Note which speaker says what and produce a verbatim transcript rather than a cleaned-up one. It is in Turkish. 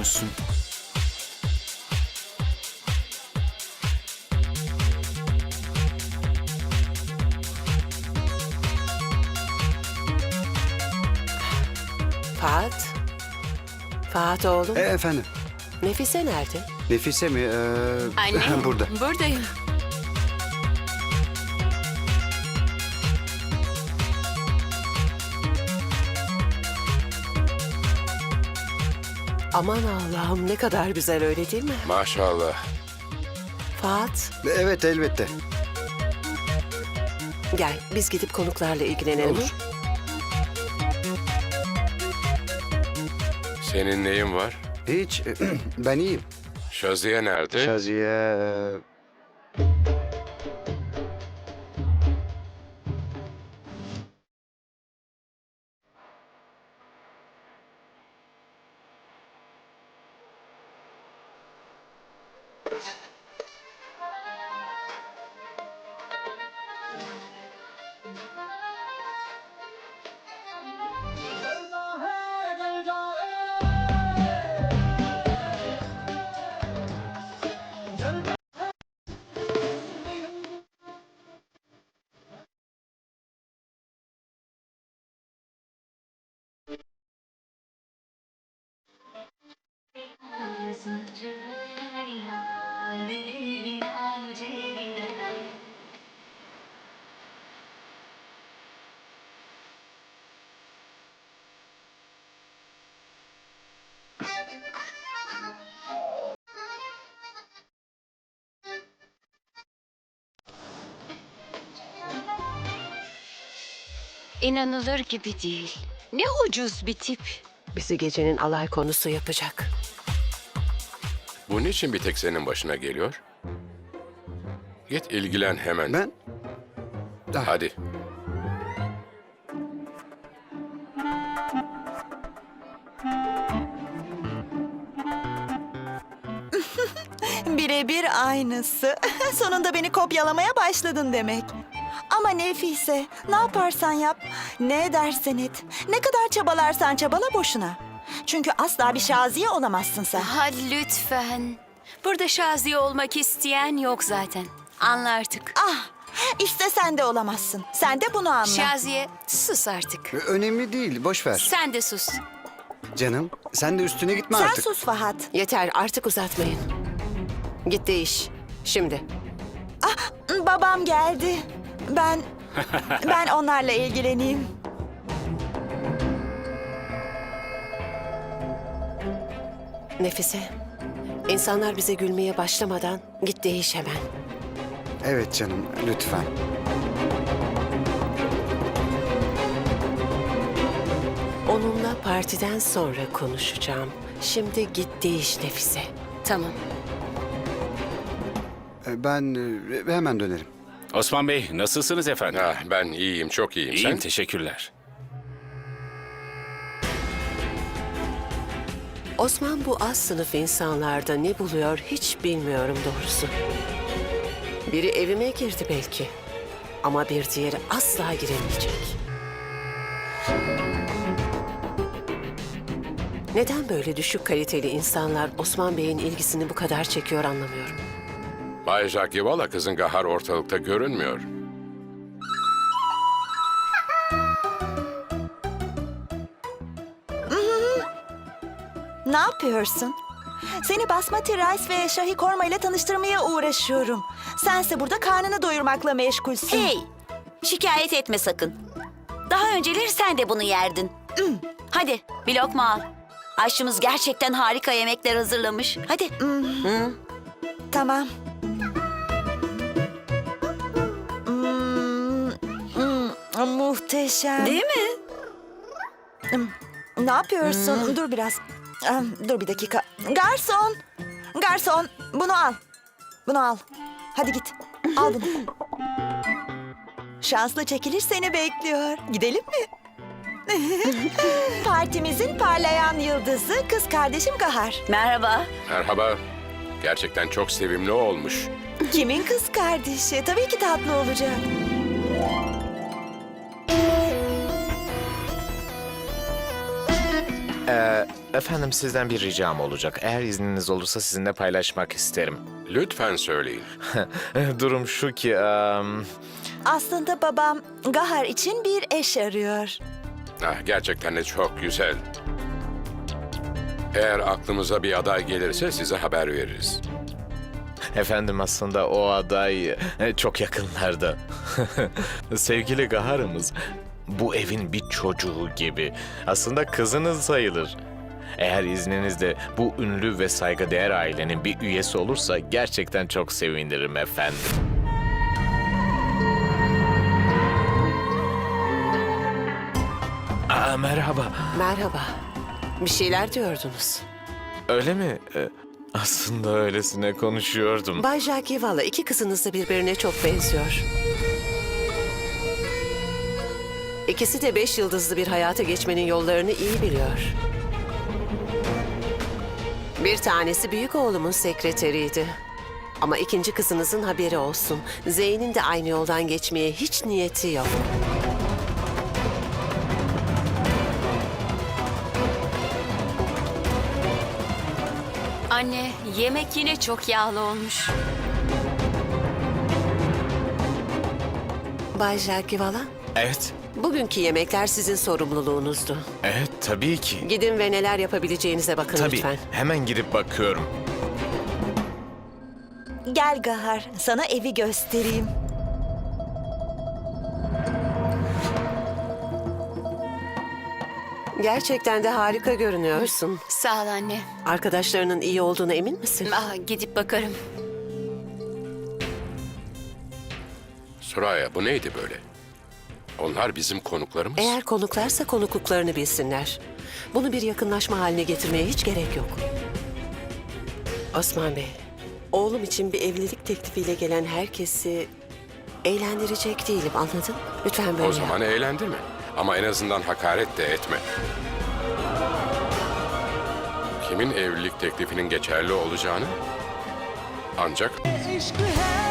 Speaker 1: musun?
Speaker 2: Fahat. Fahat oğlum.
Speaker 3: E, efendim.
Speaker 2: Nefise nerede?
Speaker 3: Nefise mi? Ee,
Speaker 4: Anne,
Speaker 3: Burada.
Speaker 4: buradayım.
Speaker 2: Aman Allah'ım ne kadar güzel öyle değil mi?
Speaker 5: Maşallah.
Speaker 2: Fahat
Speaker 3: E, Evet, elbette.
Speaker 2: gel biz gidip konuklarla ilgilenelim.
Speaker 3: Olur.
Speaker 5: Senin neyin var?
Speaker 3: Hiç. Ben iyiyim.
Speaker 5: Şaziye nerede?
Speaker 3: Şaziye... e,
Speaker 4: İnanılır gibi değil. Ne ucuz bir tip.
Speaker 2: Bizi gecenin alay konusu yapacak.
Speaker 5: Bu niçin bir tek senin başına geliyor? Git ilgilen hemen.
Speaker 3: Ben... Ah,
Speaker 5: Hadi.
Speaker 6: Birebir aynısı. Sonunda beni kopyalamaya başladın demek. Ama Nefise, ne yaparsan yap, ne edersen et, ne kadar çabalarsan çabala boşuna. Çünkü asla bir Şaziye olamazsın sen.
Speaker 4: Ha lütfen. Burada Şaziye olmak isteyen yok zaten. Anla artık.
Speaker 6: Ah, işte sen de olamazsın. Sen de bunu anla.
Speaker 4: Şaziye sus artık.
Speaker 3: Önemli değil, boş ver.
Speaker 4: Sen de sus.
Speaker 3: Canım, sen de üstüne gitme
Speaker 6: Sen
Speaker 3: artık.
Speaker 6: sus Fahat.
Speaker 2: Yeter artık uzatmayın. Git değiş. Şimdi.
Speaker 6: Babam geldi. Ben, ben onlarla ilgileneyim.
Speaker 2: Nefise. İnsanlar bize gülmeye başlamadan git değiş hemen.
Speaker 3: Evet canım, lütfen.
Speaker 2: Onunla partiden sonra konuşacağım. Şimdi git değiş Nefise.
Speaker 4: Tamam.
Speaker 3: E, Ben e, hemen dönerim.
Speaker 7: Osman Bey, nasılsınız efendim?
Speaker 5: Ah, ben iyiyim, çok iyiyim.
Speaker 7: İyiyim,
Speaker 5: Sen?
Speaker 7: teşekkürler.
Speaker 2: Osman bu az sınıf insanlarda ne buluyor hiç bilmiyorum doğrusu. Biri evime girdi belki. Ama bir diğeri asla giremeyecek. Neden böyle düşük kaliteli insanlar Osman Bey'in ilgisini bu kadar çekiyor anlamıyorum.
Speaker 5: Bay Jagivala kızın Gahar ortalıkta görünmüyor.
Speaker 6: Ne yapıyorsun? Seni basmati rice ve şahi korma ile tanıştırmaya uğraşıyorum. Sense burada karnını doyurmakla meşgulsün.
Speaker 8: Hey, şikayet etme sakın. Daha önceleri sen de bunu yerdin. Hmm, Hadi bir lokma al. Aşçımız gerçekten harika yemekler hazırlamış. Hadi.
Speaker 6: Tamam. Hmm, hmm, muhteşem.
Speaker 8: Değil mi?
Speaker 6: Ne yapıyorsun? Dur biraz. Ah, Dur bir dakika. Garson! Garson, bunu al. Bunu al. Hadi git. Al bunu. Şanslı çekiliş seni bekliyor. Gidelim mi? Partimizin parlayan yıldızı kız kardeşim Gahar.
Speaker 8: Merhaba.
Speaker 5: Merhaba. Gerçekten çok sevimli olmuş.
Speaker 6: Kimin kız kardeşi? Tabii ki tatlı olacak.
Speaker 3: E,
Speaker 1: Ee, efendim sizden bir ricam olacak. Eğer izniniz olursa sizinle paylaşmak isterim.
Speaker 5: Lütfen söyleyin.
Speaker 1: Durum şu ki... em,
Speaker 6: Aslında babam Gahar için bir eş arıyor.
Speaker 5: Ah, gerçekten de çok güzel. Eğer aklımıza bir aday gelirse size haber veririz.
Speaker 1: Efendim aslında o aday e, çok yakınlarda. Sevgili Gahar'ımız bu evin bir çocuğu gibi. Aslında kızınız sayılır. Eğer izninizle bu ünlü ve saygıdeğer ailenin bir üyesi olursa gerçekten çok sevinirim efendim. Aa, merhaba.
Speaker 2: Merhaba. Bir şeyler diyordunuz.
Speaker 1: Öyle mi? Ee, aslında öylesine konuşuyordum.
Speaker 2: Bay Jagivala, iki kızınız da birbirine çok benziyor. İkisi de beş yıldızlı bir hayata geçmenin yollarını iyi biliyor. Bir tanesi büyük oğlumun sekreteriydi. Ama ikinci kızınızın haberi olsun. Zeyn'in de aynı yoldan geçmeye hiç niyeti yok.
Speaker 4: Anne, yemek yine çok yağlı olmuş.
Speaker 2: Bay Jagivala,
Speaker 1: Evet,
Speaker 2: bugünkü yemekler sizin sorumluluğunuzdu.
Speaker 1: evet tabii ki.
Speaker 2: Gidin ve neler yapabileceğinize bakın
Speaker 1: Tabii,
Speaker 2: lütfen.
Speaker 1: hemen gidip bakıyorum.
Speaker 6: Gel Gahar, sana evi göstereyim.
Speaker 2: Gerçekten de harika görünüyorsun.
Speaker 4: Sağ ol anne.
Speaker 2: Arkadaşlarının iyi olduğuna emin misin?
Speaker 4: Ah, gidip bakarım.
Speaker 5: Suraya, bu neydi böyle? Onlar bizim konuklarımız.
Speaker 2: Eğer konuklarsa konukluklarını bilsinler. Bunu bir yakınlaşma haline getirmeye hiç gerek yok. Osman Bey, oğlum için bir evlilik teklifiyle gelen herkesi eğlendirecek değilim, anladın? Lütfen böyle
Speaker 5: O zaman eğlendirme. Ama en azından hakaret de etme. Kimin evlilik teklifinin geçerli olacağını ancak
Speaker 9: इश्क है